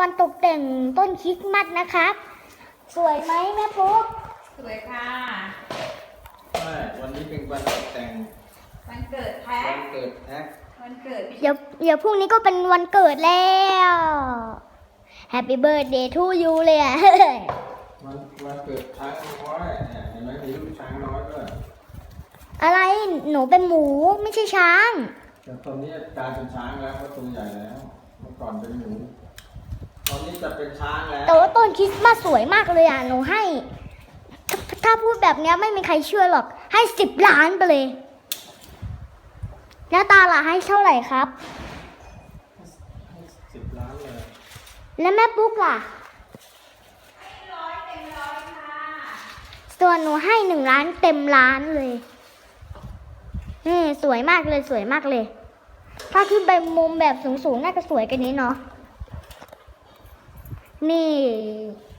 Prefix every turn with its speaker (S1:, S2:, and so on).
S1: วันตกแต่งต้นคริสต์มาสนะครับ สวยไหมแม่ปุ๊ก
S2: สวยค่ะ
S3: ใช่วันนี้เป็นวันตกแต่ง
S2: วันเกิดแท็
S3: วั
S2: ก
S3: นเกิดแท็ก
S2: วันเกิดพี่
S1: เดี๋ยวพรุ่งนี้ก็เป็นวันเกิดแล้ว Happy birthday to you เลยอะ
S3: วันเกิดช้างน้อยเนี่ยเห็นไหมมีลูกช้างน้อยด้วย
S1: อะไรหนูเป็นหมูไม่ใช่ช้าง
S3: แต่ตอนนี้กลายเป็นช้างแล้วเพราะตัวใหญ่แล้วเมื่อก่อนเป็นหมูตอนนี้จะเป็นช้างแล้ว
S1: แต่ว่าต้นคริสต์มาสสวยมากเลยอ่ะหนูให้ถ้าพูดแบบเนี้ยไม่มีใครเชื่อหรอกให้10 ล้านไปเลย แล้วตาล่ะให้เท่าไหร่ครับ
S3: 10 ล้านเลย
S1: แล้วแม่ปุ๊กล่ะ
S2: 100 เต็ม 100ค่ะ
S1: ส่วนหนูให้1 ล้านเต็มล้านเลยสวยมากเลยสวยมากเลย ถ้าขึ้นไปมุมแบบสูงๆน่าจะสวยกันนี้เนาะนี่